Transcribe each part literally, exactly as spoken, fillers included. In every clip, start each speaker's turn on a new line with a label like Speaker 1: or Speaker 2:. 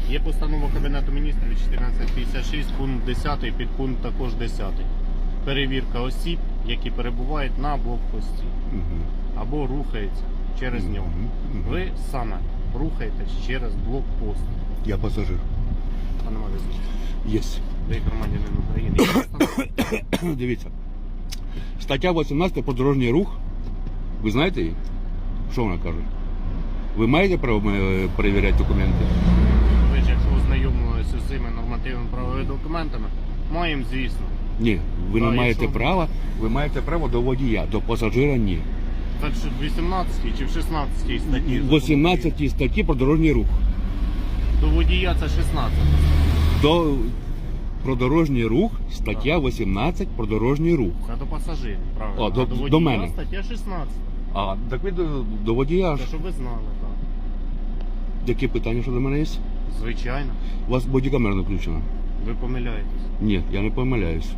Speaker 1: Є постанова Кабінету міністрів чотирнадцять п'ятдесят шість, пункт десятий, підпункт також десятий. Перевірка осіб, які перебувають на блокпості
Speaker 2: Угу.
Speaker 1: або рухаються через
Speaker 2: Мгм.
Speaker 1: нього.
Speaker 2: Мгм.
Speaker 1: Ви саме рухаєтесь через блокпост.
Speaker 2: Я пасажир.
Speaker 1: Пане Мавізович,
Speaker 2: Єсть.
Speaker 1: ви громадянин України. Є постанова?
Speaker 2: Дивіться. Стаття вісімнадцята про дорожній рух. Ви знаєте її? Що вона каже? Ви маєте право е, перевіряти документи?
Speaker 1: Ви ж, якщо ознайомилися з цими нормативними правовими документами, маємо, звісно.
Speaker 2: Ні, ви
Speaker 1: Да,
Speaker 2: не маєте
Speaker 1: якщо-
Speaker 2: права, ви маєте право до водія, до пасажира ні.
Speaker 1: Так що в вісімнадцятій чи в шістнадцятій статті?
Speaker 2: В вісімнадцятій статті про дорожній рух.
Speaker 1: До водія це шістнадцята.
Speaker 2: До про дорожній рух, стаття вісімнадцять про дорожній рух.
Speaker 1: Це до пасажирів, правильно.
Speaker 2: О, до-
Speaker 1: а до водія
Speaker 2: до мене.
Speaker 1: стаття шістнадцята.
Speaker 2: А, так ви до, до водія.
Speaker 1: Це щоб ви знали, так.
Speaker 2: Які питання щодо мене є?
Speaker 1: Звичайно.
Speaker 2: У вас бодікамера не включена?
Speaker 1: Ви помиляєтесь.
Speaker 2: Ні, я не помиляюсь.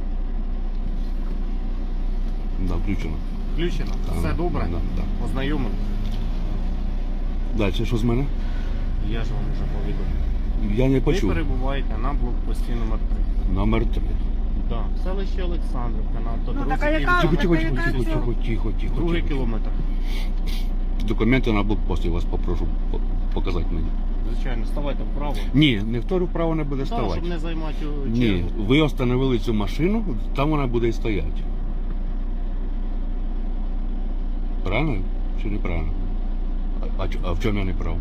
Speaker 2: Да, включена.
Speaker 1: Включено?
Speaker 2: Так,
Speaker 1: Все добре?
Speaker 2: да, да.
Speaker 1: Ознайомились?
Speaker 2: Далі, що з мене?
Speaker 1: Я ж вам вже повідомив.
Speaker 2: Я не
Speaker 1: Ви
Speaker 2: почув.
Speaker 1: перебуваєте на блокпості номер три.
Speaker 2: Номер три.
Speaker 1: Так, селище Олександрівка на
Speaker 3: Ну,
Speaker 1: автодорозі.
Speaker 3: така яка-
Speaker 2: Тихо,
Speaker 1: Київ.
Speaker 2: тихо,
Speaker 3: така
Speaker 2: тихо,
Speaker 3: яка
Speaker 2: тихо,
Speaker 3: це?
Speaker 2: тихо, тихо, тихо.
Speaker 1: Другий
Speaker 2: тихо.
Speaker 1: кілометр.
Speaker 2: Документи на блокпост я вас попрошу по- показати мені.
Speaker 1: Звичайно, ставайте вправо.
Speaker 2: Ні, ніхто вправо не буде
Speaker 1: Так,
Speaker 2: ставати.
Speaker 1: щоб не займати чергу.
Speaker 2: Ні, ви остановили цю машину, там вона буде і стояти. Правильно чи неправильно? А, а, чо- а в чому я не прав?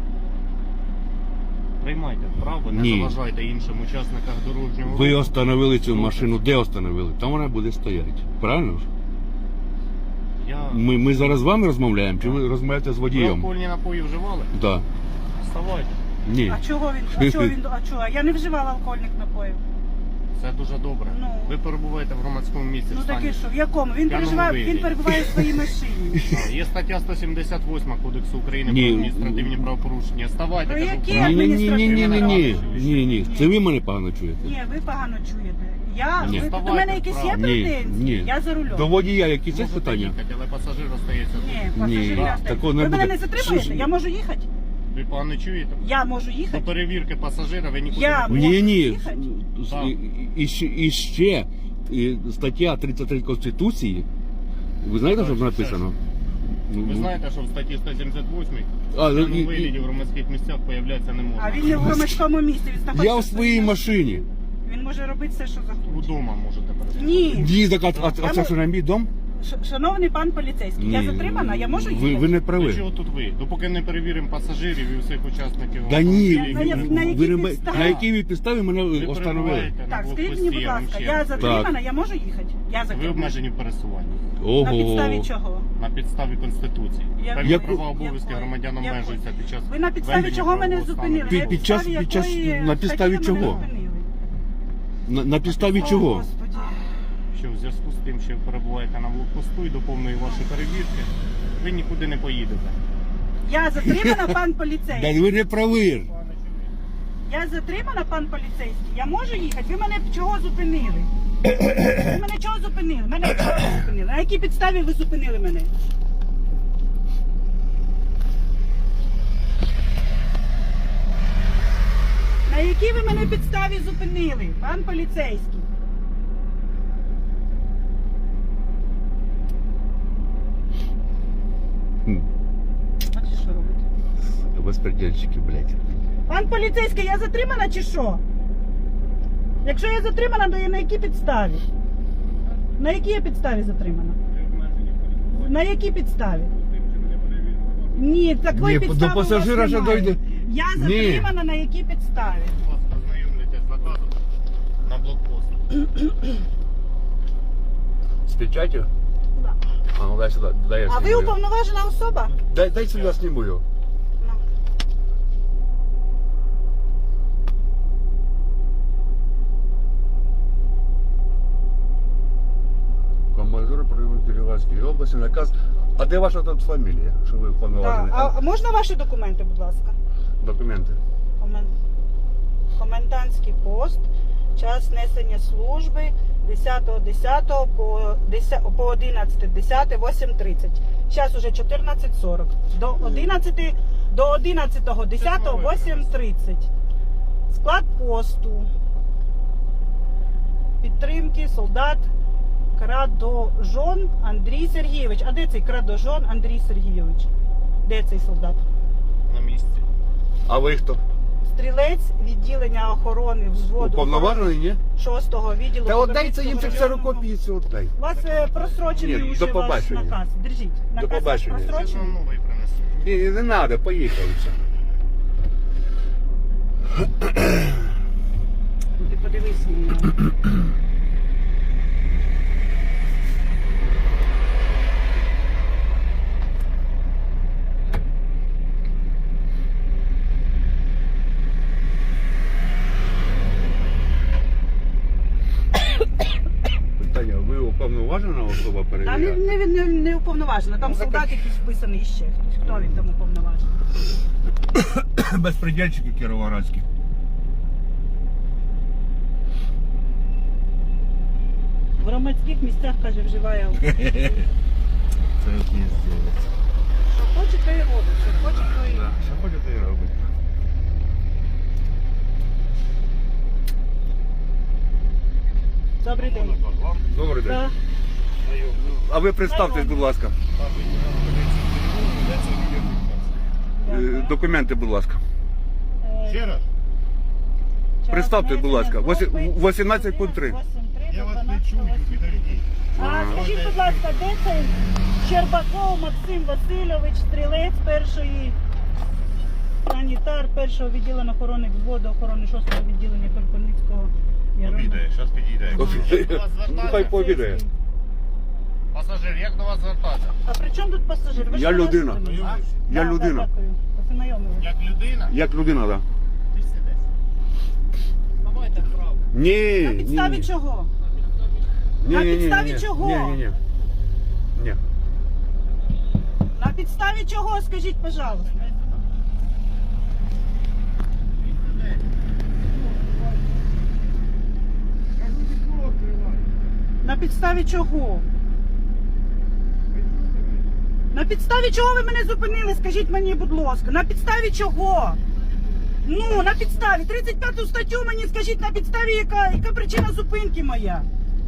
Speaker 1: Приймайте вправо, не
Speaker 2: Ні.
Speaker 1: заважайте іншим учасникам дорожнього
Speaker 2: Ви
Speaker 1: руху.
Speaker 2: остановили цю
Speaker 1: Слухайте.
Speaker 2: машину, де остановили? Там вона буде стояти. Правильно ж?
Speaker 1: Я...
Speaker 2: Ми, ми зараз з вами розмовляємо, чи ви розмовляєте з
Speaker 1: Ви
Speaker 2: водієм?
Speaker 1: алкогольні напої вживали?
Speaker 2: Так.
Speaker 1: Вставайте.
Speaker 2: Ні.
Speaker 3: А чого він? А чого він? А чого? Я не вживала алкогольних напоїв.
Speaker 1: Це дуже добре.
Speaker 3: Ну.
Speaker 1: Ви перебуваєте в громадському місці.
Speaker 3: Ну
Speaker 1: в стані.
Speaker 3: таке що? В якому? Він
Speaker 1: П'яному
Speaker 3: переживає,
Speaker 1: вигляді.
Speaker 3: він перебуває в своїй машині.
Speaker 1: А, Є стаття сто сімдесят восьма Кодексу України
Speaker 2: Ні.
Speaker 1: про адміністративні правопорушення. Ставайте,
Speaker 3: Про
Speaker 1: кажу,
Speaker 3: які
Speaker 1: вправо.
Speaker 2: Ні, ні, ні, ні, ні, ні, ні,
Speaker 3: адміністративні
Speaker 2: ні, ні. Це ви мене погано чуєте.
Speaker 3: Ні, ви погано чуєте. Я,
Speaker 2: Ні.
Speaker 3: ви, до
Speaker 1: Вставайте
Speaker 3: мене якісь є
Speaker 1: вправо.
Speaker 2: Ні,
Speaker 3: претензії?
Speaker 2: ні.
Speaker 3: Я за рулем.
Speaker 2: До водія якісь є
Speaker 1: Можете
Speaker 2: питання?
Speaker 1: їхати, але пасажир остається тут.
Speaker 3: Ні,
Speaker 2: Ні,
Speaker 3: пасажирі
Speaker 1: так,
Speaker 3: остають.
Speaker 2: такого не
Speaker 3: Ви мене
Speaker 2: буде.
Speaker 3: не затримуєте?
Speaker 2: Що ж?
Speaker 3: Я можу їхати?
Speaker 1: Ви погано чуєте?
Speaker 3: Я можу
Speaker 1: До
Speaker 3: їхати?
Speaker 1: перевірки пасажира ви нікуди
Speaker 3: Я
Speaker 1: не
Speaker 3: можу
Speaker 1: поїдете.
Speaker 2: Ні, ні.
Speaker 3: їхати?
Speaker 1: Так.
Speaker 2: І, і, ще- і ще і стаття тридцять три Конституції. Ви знаєте, що
Speaker 1: Так,
Speaker 2: там написано?
Speaker 1: Ви знаєте, що в статті сто сімдесят восьмій
Speaker 2: А,
Speaker 1: в
Speaker 2: і-
Speaker 1: даному
Speaker 2: і-
Speaker 1: вигляді в громадських місцях появлятися не можна.
Speaker 3: А він не в громадському місці, він знаходиться
Speaker 2: Я в своїй машині.
Speaker 3: Він може робити все, що захоче.
Speaker 1: Удома можете перебувати.
Speaker 3: Ні.
Speaker 2: Ні, так, а, а, а
Speaker 3: Я
Speaker 2: це
Speaker 3: мо-
Speaker 2: що на мій дом?
Speaker 3: Ш- Шановний пан поліцейський, я
Speaker 2: Ні,
Speaker 3: затримана, я можу їхати?
Speaker 2: Ви, ви не
Speaker 1: До
Speaker 2: праві.
Speaker 1: чого тут ви? Допоки не перевіримо пасажирів і всіх учасників.
Speaker 2: Да ні,
Speaker 1: автомобілів,
Speaker 3: На- на-
Speaker 1: ви-
Speaker 3: на якій
Speaker 2: ви не ба-
Speaker 3: підставі?
Speaker 2: на якій ви підставі мене
Speaker 1: ви
Speaker 2: остановили?
Speaker 1: перебуваєте на
Speaker 3: Так, скажіть
Speaker 1: блокпості,
Speaker 3: мені, будь
Speaker 1: я вам
Speaker 3: ласка,
Speaker 1: ще
Speaker 3: я
Speaker 1: раз
Speaker 3: затримана,
Speaker 1: кажу.
Speaker 3: я можу їхати? Я
Speaker 1: Ви
Speaker 3: затримана.
Speaker 1: обмежені в пересуванні.
Speaker 3: На підставі
Speaker 2: Ого.
Speaker 3: чого?
Speaker 1: На підставі Конституції.
Speaker 3: Я-
Speaker 1: Певні
Speaker 2: Яку-
Speaker 1: права обов'язки
Speaker 3: Якої?
Speaker 1: громадян
Speaker 3: Якої?
Speaker 1: обмежуються під час
Speaker 3: Ви на підставі
Speaker 1: ведення
Speaker 3: чого мене
Speaker 1: правового стану.
Speaker 3: зупинили?
Speaker 2: Під-
Speaker 3: На
Speaker 2: під час-
Speaker 3: підставі
Speaker 2: під час-
Speaker 3: якої
Speaker 2: на підставі
Speaker 3: статті ви мене
Speaker 2: чого?
Speaker 3: зупинили?
Speaker 2: На, на підставі
Speaker 3: О,
Speaker 2: чого?
Speaker 3: Господи.
Speaker 1: Що в зв'язку з тим, що ви перебуваєте на блокпосту і до повної вашої перевірки, ви нікуди не поїдете.
Speaker 3: Я затримана, пан
Speaker 2: Да
Speaker 3: поліцейський.
Speaker 2: ви не праві.
Speaker 3: Я затримана, пан поліцейський. Я можу їхати? Ви мене чого зупинили? Ви мене чого зупинили? Мене чого зупинили? На якій підставі ви зупинили мене? На якій ви мене підставі зупинили, пан поліцейський?
Speaker 2: Хм,
Speaker 3: Бачите, що робите?
Speaker 2: Безпредельщики, блядь.
Speaker 3: Пан поліцейський, я затримана чи що? Якщо я затримана, то я на якій підставі? На якій я підставі затримана?
Speaker 1: Ви обмежені в пересуванні.
Speaker 3: На якій підставі?
Speaker 1: З тим, що ви не перевірили вашу-
Speaker 3: Ні, такої
Speaker 2: Ні,
Speaker 3: підстави
Speaker 2: до
Speaker 3: у вас
Speaker 2: пасажира ще
Speaker 3: немає.
Speaker 2: дойде.
Speaker 3: Я
Speaker 2: Ні.
Speaker 3: затримана на якій підставі?
Speaker 1: Будь ласка, ознайомлюйтесь з наказом на блокпост.
Speaker 2: З печатью?
Speaker 3: Да.
Speaker 2: А, ну дай сюди, дай я
Speaker 3: А ви
Speaker 2: зніму.
Speaker 3: уповноважена особа?
Speaker 2: Дай, дай сюди зніму його.
Speaker 3: Ну.
Speaker 2: Командир правової Кіровоградської області, наказ. А де ваша тут фамілія, що ви
Speaker 3: Да.
Speaker 2: уповноважені?
Speaker 3: А а можна ваші документи, будь ласка?
Speaker 2: Документи.
Speaker 3: Комен... Комендантський пост, час несення служби десятого десятого по, десятого по одинадцяте десяте, вісім тридцять. Зараз уже чотирнадцять сорок. До одинадцяти до одинадцятого десятого вісім тридцять. Склад посту. Підтримки солдат Крадожон Андрій Сергійович. А де цей Крадожон Андрій Сергійович? Де цей солдат?
Speaker 1: На місці.
Speaker 2: А ви хто?
Speaker 3: Стрілець відділення охорони взводу
Speaker 2: Уповноважений, ні?
Speaker 3: шостого відділу.
Speaker 2: Та отдай це їм цих
Speaker 3: Кіровоградського
Speaker 2: ксерокопійцю, отдай.
Speaker 3: У вас е, просрочений
Speaker 2: Ні,
Speaker 3: уже
Speaker 2: до
Speaker 3: ваш
Speaker 2: побачення.
Speaker 3: наказ. Держіть. Наказ
Speaker 2: До
Speaker 3: ваш
Speaker 2: побачення.
Speaker 1: Я ж вам
Speaker 3: просрочений.
Speaker 1: новий принесу.
Speaker 2: Ні, не треба, поїхали все.
Speaker 3: Ну, ти подивись на нього.
Speaker 2: Питання, ви уповноважена особа
Speaker 3: Та не,
Speaker 2: перевіряти?
Speaker 3: не, не, не уповноважена. Там
Speaker 2: Ну, так
Speaker 3: солдат якийсь вписаний ще хтось. Хто він там уповноважений?
Speaker 2: Безпредельщики кіровоградські.
Speaker 3: В громадських місцях, каже, вживає алкоголь.
Speaker 1: Це піздець.
Speaker 3: Що хоче, то і робить. Що хоче, то і робить.
Speaker 2: Що хочете і робити?
Speaker 3: Добрий день.
Speaker 2: Добрий день.
Speaker 3: Да.
Speaker 2: А ви представтесь, будь ласка. Е, Документи, будь ласка.
Speaker 3: Е,
Speaker 1: Ще раз.
Speaker 3: час
Speaker 2: представте, будь ласка,
Speaker 3: ведення
Speaker 2: восі-
Speaker 3: групи
Speaker 2: вісімнадцять пункт три.
Speaker 3: вісім три
Speaker 1: Я
Speaker 3: до
Speaker 1: вас не
Speaker 3: дванадцятого
Speaker 1: чую, підождіть.
Speaker 3: А скажіть, будь ласка, де цей Щербаков Максим Васильович, стрілець першої, санітар першого відділення охорони взводу охорони шостого відділення Кропивницького
Speaker 1: Обідає, зараз підійде. Як до вас
Speaker 2: Ну, хай
Speaker 1: звертатися?
Speaker 2: пообідає.
Speaker 1: Пасажир, як до вас звертатися?
Speaker 3: А при чому тут пасажир? Ви ж
Speaker 2: Я
Speaker 3: мене
Speaker 2: людина.
Speaker 3: зупинили.
Speaker 1: А?
Speaker 2: Я
Speaker 3: Да,
Speaker 2: людина.
Speaker 3: Да, дякую. Познайомились.
Speaker 1: Як людина?
Speaker 2: Як людина, так? Да.
Speaker 1: Ти сидиш. Давайте вправо.
Speaker 2: Ні,
Speaker 3: На
Speaker 2: ні,
Speaker 3: підставі
Speaker 2: ні.
Speaker 3: чого?
Speaker 2: Ні,
Speaker 3: На
Speaker 2: ні, ні,
Speaker 3: підставі
Speaker 2: ні.
Speaker 3: чого?
Speaker 2: Ні, ні, ні. Ні.
Speaker 3: На підставі чого, скажіть, пожалуйста? На підставі чого? На підставі чого ви мене зупинили? Скажіть мені, будь ласка, на підставі чого? Ну, на підставі. тридцять п'яту статтю мені скажіть, на підставі яка, яка причина зупинки моя?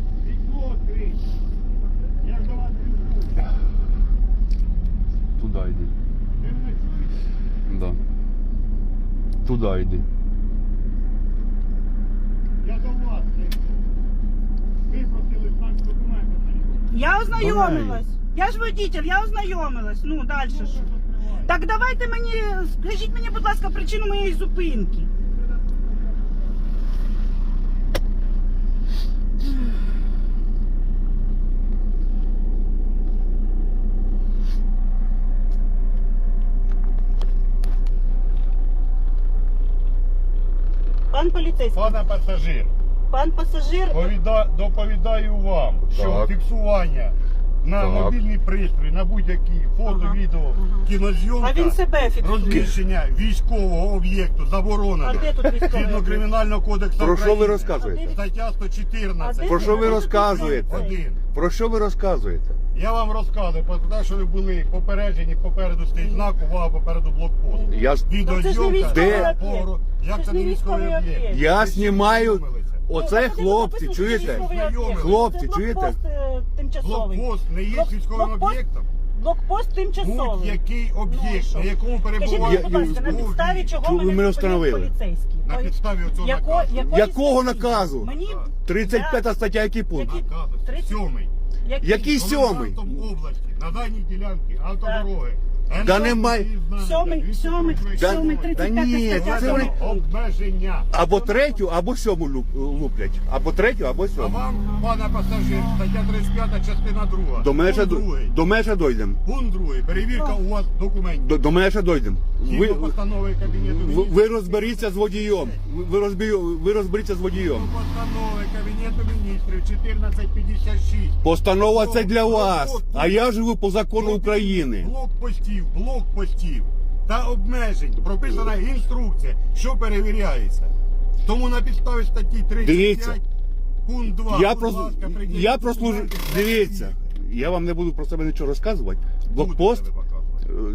Speaker 2: Туди йди. Да. Туди йди.
Speaker 4: Я до вас прийшов. Ви просили знак документів.
Speaker 3: Я ознайомилась. Я ж водитель, я ознайомилась. Ну, далі що? Так давайте мені, скажіть мені, будь ласка, причину моєї зупинки. Пан поліцейський,
Speaker 4: Пане пасажир,
Speaker 3: пан пасажир,
Speaker 4: повіда- доповідаю вам, що
Speaker 2: Так.
Speaker 4: фіксування на
Speaker 2: Так.
Speaker 4: мобільний пристрій, на будь-які фото,
Speaker 3: Ага,
Speaker 4: відео,
Speaker 3: ага.
Speaker 4: кінозйомка,
Speaker 3: а він себе фіксує.
Speaker 4: розміщення військового об'єкту
Speaker 3: А
Speaker 4: заборонено.
Speaker 3: де тут військовий
Speaker 4: Згідно
Speaker 3: об'єкт?
Speaker 4: Кримінального кодексу
Speaker 2: Про що ви
Speaker 4: України.
Speaker 2: розказуєте?
Speaker 4: Стаття сто
Speaker 3: А
Speaker 4: чотирнадцять.
Speaker 3: де
Speaker 2: Про що ви
Speaker 3: тут
Speaker 2: розказуєте?
Speaker 3: поліцейський?
Speaker 4: Один.
Speaker 2: Про що ви розказуєте?
Speaker 4: Я вам розказую, про те, що ви були попереджені, попереду стоїть знак, увага, попереду блокпост.
Speaker 2: Я, с-
Speaker 3: Ну, це ж не
Speaker 4: Відеозйомка.
Speaker 3: військовий
Speaker 2: Де?
Speaker 3: об'єкт.
Speaker 4: Як
Speaker 3: Це
Speaker 4: це
Speaker 3: ж
Speaker 4: не
Speaker 3: не
Speaker 4: військовий
Speaker 3: військовий
Speaker 4: об'єкт?
Speaker 3: об'єкт.
Speaker 2: я
Speaker 4: Ви всі
Speaker 2: знімаю.
Speaker 4: знайомилися.
Speaker 2: Оце
Speaker 3: Ну,
Speaker 2: хлопці,
Speaker 3: написано,
Speaker 2: чуєте?
Speaker 3: що військовий об'єкт.
Speaker 2: Хлопці,
Speaker 3: Це
Speaker 2: чуєте?
Speaker 3: блокпост, е, тимчасовий.
Speaker 4: Блокпост не є
Speaker 3: Блок-
Speaker 4: військовим
Speaker 3: блокпост-
Speaker 4: об'єктом.
Speaker 3: Блокпост тимчасовий.
Speaker 4: Будь-який
Speaker 3: Ну,
Speaker 4: об'єкт,
Speaker 3: що?
Speaker 4: на якому
Speaker 3: Скажіть
Speaker 4: перебуває
Speaker 3: мені, будь ласка, на
Speaker 4: військовий,
Speaker 3: підставі чого
Speaker 2: Чого ви
Speaker 3: мене
Speaker 2: мене
Speaker 3: зупинив
Speaker 2: встановили?
Speaker 3: поліцейський?
Speaker 4: на
Speaker 3: Ой,
Speaker 4: підставі оцього
Speaker 3: яко-
Speaker 4: наказу.
Speaker 3: якої
Speaker 2: Якого
Speaker 3: статті?
Speaker 2: наказу?
Speaker 3: Мені
Speaker 2: тридцять п'ята стаття, який пункт?
Speaker 3: Які-
Speaker 4: Наказу.
Speaker 3: тридцять-
Speaker 4: Сьомий.
Speaker 2: Який сьомий?
Speaker 4: Комендантом області, на даній ділянці автодороги.
Speaker 2: Да немає.
Speaker 3: Сьомий, сьомий,
Speaker 2: Да-
Speaker 3: сьомий,
Speaker 2: Та
Speaker 3: тридцять п'ята
Speaker 2: ні,
Speaker 3: стаття.
Speaker 2: це вони-
Speaker 3: закону.
Speaker 4: Обмеження.
Speaker 2: Або третю, або сьому луп- луплять. Або третю, або
Speaker 4: А
Speaker 2: сьому.
Speaker 4: вам, пане пасажир, стаття тридцять п'ята, частина друга.
Speaker 2: До мене ще,
Speaker 4: Пункт
Speaker 2: до-
Speaker 4: другий.
Speaker 2: до мене ще дойдемо.
Speaker 4: Пункт другий. Перевірка у вас документів.
Speaker 2: До, до мене ще дойдемо. Ви,
Speaker 4: Згідно постанови Кабінету
Speaker 2: ви,
Speaker 4: Міністрів.
Speaker 2: ви розберіться з водієм. Ви, ви, розбі- ви розберіться з водієм.
Speaker 4: Згідно постанови Кабінету Міністрів чотирнадцять п'ятдесят шість.
Speaker 2: Постанова це для вас. А я живу по закону України.
Speaker 4: Блокпостів, блокпостів та обмежень. Прописана інструкція, що перевіряється. Тому на підставі статті тридцять
Speaker 2: Дивіться.
Speaker 4: п'ять, пункт два.
Speaker 2: Я
Speaker 4: будь
Speaker 2: про
Speaker 4: ласка, прийдіть
Speaker 2: я
Speaker 4: до
Speaker 2: прослужу.
Speaker 4: документів.
Speaker 2: Дивіться, я вам не буду про себе нічого розказувати. Блокпост.
Speaker 4: Будете ви показувати.
Speaker 2: е, Ні, ні,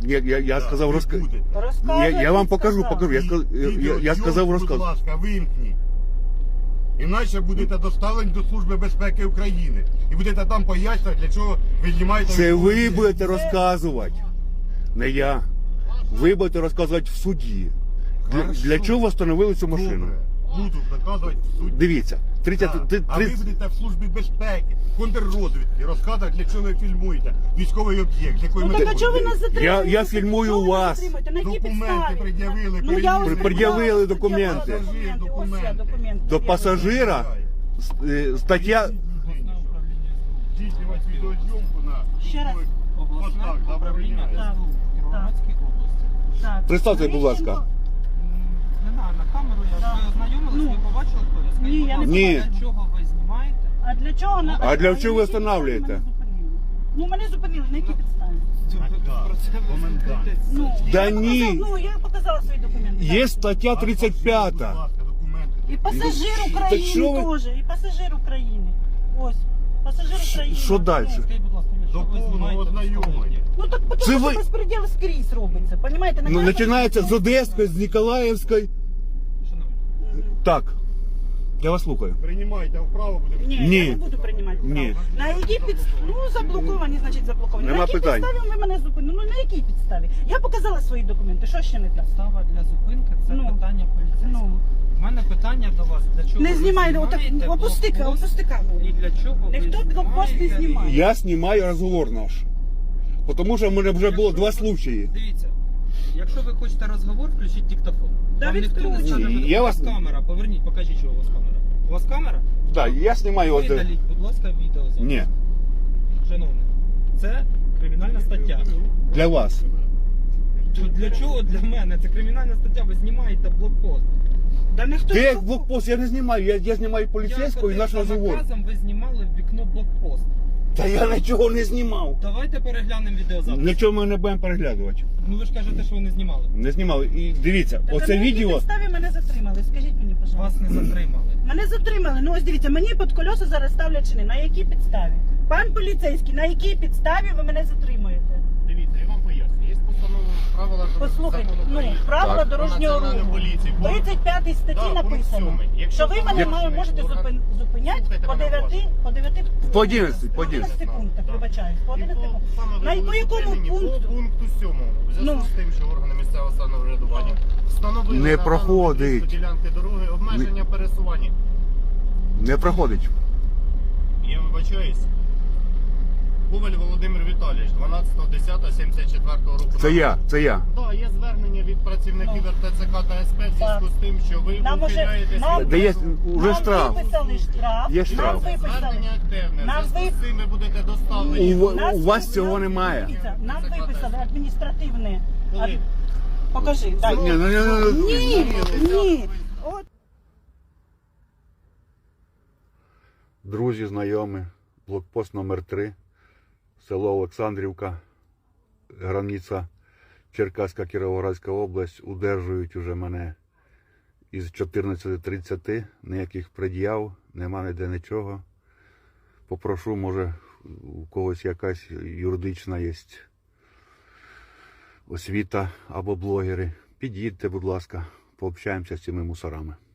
Speaker 2: я, я, я
Speaker 4: Да,
Speaker 2: сказав
Speaker 4: ви
Speaker 2: розка...
Speaker 4: будете.
Speaker 2: я,
Speaker 3: Розказуй,
Speaker 2: я вам
Speaker 3: як
Speaker 2: покажу,
Speaker 3: сказав.
Speaker 2: покажу. Я, сказ... я, я, я
Speaker 4: Відеозйомку,
Speaker 2: сказав
Speaker 4: будь
Speaker 2: розказ.
Speaker 4: ласка, вимкніть. Іначе будете доставлені до Служби безпеки України. І будете там пояснювати, для чого ви знімаєте...
Speaker 2: Це ви
Speaker 4: відео.
Speaker 2: будете розказувати, не я. Ви будете розказувати в суді. Для,
Speaker 4: Хорошо.
Speaker 2: для чого встановили цю машину?
Speaker 4: Добре. Буду доказувати в суді.
Speaker 2: Дивіться, тридцять,
Speaker 4: Так.
Speaker 2: ти-
Speaker 4: А ви
Speaker 2: тридцять-
Speaker 4: будете в Службі безпеки, контррозвідки, розказувати, для чого ви фільмуєте військовий об'єкт, з якої
Speaker 3: Ну так а
Speaker 4: метою.
Speaker 3: чого ви нас затримуєте?
Speaker 2: Я- я фільмую
Speaker 3: Чого ви нас
Speaker 2: вас.
Speaker 3: затримуєте? На якій
Speaker 4: Документи
Speaker 3: підставі?
Speaker 4: пред'явили,
Speaker 3: Ну, я ось
Speaker 4: перевірили.
Speaker 2: Пред'явили
Speaker 3: пред'явила
Speaker 2: документи.
Speaker 3: документи. Ось я
Speaker 4: Документи.
Speaker 3: документи.
Speaker 2: До
Speaker 3: пред'явила.
Speaker 2: пасажира е, стаття.
Speaker 4: Здійснювати відеозйомку на
Speaker 3: Ще раз.
Speaker 4: військових
Speaker 5: Обласне
Speaker 4: постах
Speaker 5: управління
Speaker 4: забороняє.
Speaker 5: ес бе у Кіровоградській області.
Speaker 3: Так.
Speaker 2: Представте, будь ласка.
Speaker 5: М, Не знаю, на камеру я
Speaker 3: Да.
Speaker 5: ви ознайомились,
Speaker 3: Ну.
Speaker 5: ви побачили хто я? Скажіть,
Speaker 3: Ні,
Speaker 5: будь
Speaker 3: я не
Speaker 5: ласка,
Speaker 2: Ні.
Speaker 5: для чого ви знімаєте?
Speaker 3: А для чого? на-
Speaker 2: А для
Speaker 3: на
Speaker 2: чого ви
Speaker 3: якій підставі
Speaker 2: встановлюєте?
Speaker 3: мене зупинили? Ну мене зупинили, на якій підставі?
Speaker 5: Ви
Speaker 4: да.
Speaker 5: Про це ви
Speaker 4: Комендант.
Speaker 5: спілкуєтесь.
Speaker 3: Ну,
Speaker 2: Да
Speaker 3: я
Speaker 2: ні.
Speaker 3: показала- Ну, я показала свої документи.
Speaker 2: Є
Speaker 3: так.
Speaker 2: стаття тридцять
Speaker 4: Будь
Speaker 2: п'ята.
Speaker 4: ласка, документи.
Speaker 3: І пасажир
Speaker 2: Так
Speaker 3: України
Speaker 2: що ви-
Speaker 3: теж, і пасажир України. Ось, пасажир України.
Speaker 2: що далі?
Speaker 3: Ну,
Speaker 5: Скажіть, будь ласка, для
Speaker 4: До
Speaker 5: чого ви
Speaker 4: повного
Speaker 5: знімаєте
Speaker 4: ознайомлення.
Speaker 5: військовий?
Speaker 3: Ну так
Speaker 2: Це
Speaker 3: тому що
Speaker 2: ви-
Speaker 3: безпреділ скрізь робиться, понімаєте? На
Speaker 2: Ну,
Speaker 3: кожному-
Speaker 2: починається з Одеської, з Ніколаївської.
Speaker 5: Шановні,
Speaker 3: Мгм.
Speaker 2: Так. Я вас слухаю.
Speaker 4: Приймайте вправо, будемо.
Speaker 3: Ні,
Speaker 2: Ні.
Speaker 3: я не буду приймати.
Speaker 2: Ні.
Speaker 3: право. На якій підставі? Ну, заблоковані, значить заблоковані.
Speaker 2: Нема
Speaker 3: на якій
Speaker 2: питань.
Speaker 3: підставі ви мене зупинили? Ну, на якій підставі? Я показала свої документи, що ще не так?
Speaker 5: підстава для зупинки це
Speaker 3: Ну.
Speaker 5: питання поліцейського.
Speaker 3: Ну,
Speaker 5: У мене питання до вас, для чого
Speaker 3: не
Speaker 5: ви
Speaker 3: знімайте, отак,
Speaker 5: знімаєте
Speaker 3: опусти,
Speaker 5: блокпост
Speaker 3: опусти камеру.
Speaker 5: і для чого
Speaker 3: Ніхто
Speaker 5: ви
Speaker 3: блокпост не
Speaker 5: знімаєте?
Speaker 3: знімає.
Speaker 2: Я знімаю розговор наш. Тому що в мене вже було два случаї.
Speaker 5: Дивіться, якщо ви хочете розговор, включіть диктофон.
Speaker 3: Та
Speaker 5: Вам ніхто не
Speaker 3: відключено.
Speaker 5: скаже,
Speaker 2: Я
Speaker 5: у
Speaker 2: вас-
Speaker 5: вас камера, поверніть, покажіть, що у вас камера. У вас камера?
Speaker 2: Так, я знімаю. от-
Speaker 5: Видаліть, будь ласка, відео. зараз.
Speaker 2: Ні,
Speaker 5: Шановний, це кримінальна стаття.
Speaker 2: для вас.
Speaker 5: То для чого для мене? Це кримінальна стаття, ви знімаєте блокпост.
Speaker 3: Да ніхто
Speaker 2: Де
Speaker 3: не
Speaker 2: блокпост? Я не знімаю. Я, я знімаю поліцейського і
Speaker 5: Я
Speaker 2: наш
Speaker 5: ходив за
Speaker 2: розговор.
Speaker 5: наказом, ви знімали в вікно блокпост.
Speaker 2: Та я нічого не знімав.
Speaker 5: Давайте переглянемо відеозапис.
Speaker 2: Нічого ми не будемо переглядувати.
Speaker 5: Ну ви ж кажете, що ви не знімали.
Speaker 2: Не знімали. І дивіться,
Speaker 3: Та
Speaker 2: оце
Speaker 3: на якій
Speaker 2: відео.
Speaker 3: підставі мене затримали? Скажіть мені,
Speaker 5: Вас
Speaker 3: пожалуйста.
Speaker 5: не затримали.
Speaker 3: Мене затримали. Ну ось дивіться, мені під колеса зараз ставлять чини. На якій підставі? Пан поліцейський, на якій підставі ви мене затримуєте?
Speaker 1: Дивіться, я вам поясню. Є постанова правила дорожнього
Speaker 3: Послухайте,
Speaker 1: закону
Speaker 3: ну,
Speaker 1: України.
Speaker 3: правила
Speaker 2: Так.
Speaker 3: дорожнього
Speaker 1: Національної
Speaker 3: руху.
Speaker 1: поліції.
Speaker 3: В тридцять п'ятій статті
Speaker 1: Да, пункт
Speaker 3: написано,
Speaker 1: сьомий. Якщо
Speaker 3: що ви мене
Speaker 1: встановлений
Speaker 3: має- можете
Speaker 1: орган-
Speaker 3: зупин- зупиняти
Speaker 1: Слухайте
Speaker 3: по
Speaker 1: мене
Speaker 3: дев'яти,
Speaker 1: уважно.
Speaker 3: по дев'яти,
Speaker 2: По одинадцяти, по
Speaker 3: по одинадцяти
Speaker 2: одинадцяти.
Speaker 3: пунктах,
Speaker 1: Да.
Speaker 3: вибачаюсь, по
Speaker 1: І
Speaker 3: одинадцяти
Speaker 1: по-
Speaker 3: пунктах.
Speaker 1: саме ви
Speaker 3: На
Speaker 1: були
Speaker 3: по якому
Speaker 1: зупинені
Speaker 3: пункту?
Speaker 1: По пункту сьомому. В зв'язку
Speaker 3: Ну.
Speaker 1: з тим, що органи місцевого самоврядування встановили
Speaker 2: Не
Speaker 1: на даному
Speaker 2: проходить.
Speaker 1: відрізку ділянки дороги обмеження пересування.
Speaker 2: Не проходить.
Speaker 1: Я вибачаюсь. Коваль Володимир Віталійович, дванадцяте десяте сімдесят четвертого року.
Speaker 2: Це я, це я.
Speaker 1: Так, є звернення від працівників
Speaker 3: Ну.
Speaker 1: ер те це ка та ес пе в зв'язку з тим, що ви
Speaker 3: Нам уже-
Speaker 1: ухиляєтесь
Speaker 3: нам-
Speaker 1: від
Speaker 2: Де є уже
Speaker 3: Нам
Speaker 2: штраф.
Speaker 3: виписали штраф.
Speaker 2: Є штраф.
Speaker 3: Нам виписали.
Speaker 1: Звернення активне. В
Speaker 3: Нам
Speaker 1: зв'язку з
Speaker 3: ви-
Speaker 1: цим ви будете доставлені.
Speaker 2: У,
Speaker 3: Нас
Speaker 2: у вас
Speaker 3: ви-
Speaker 2: цього
Speaker 3: нам-
Speaker 2: немає.
Speaker 3: Дивіться, Нам
Speaker 1: Це
Speaker 3: виписали
Speaker 1: катастрофа.
Speaker 3: адміністративне.
Speaker 1: Коли?
Speaker 3: Ад- Покажи, дай.
Speaker 2: Ні, ну, ні, ну, ну,
Speaker 3: Ні, ні. От.
Speaker 2: Друзі, знайомі, блокпост номер три, село Олександрівка, границя Черкаська, Кіровоградська область, удержують уже мене із чотирнадцяти тридцяти, ніяких пред'яв, нема ніде нічого. Попрошу, може, у когось якась юридична є освіта або блогери. Під'їдьте, будь ласка, пообщаємося з цими мусорами.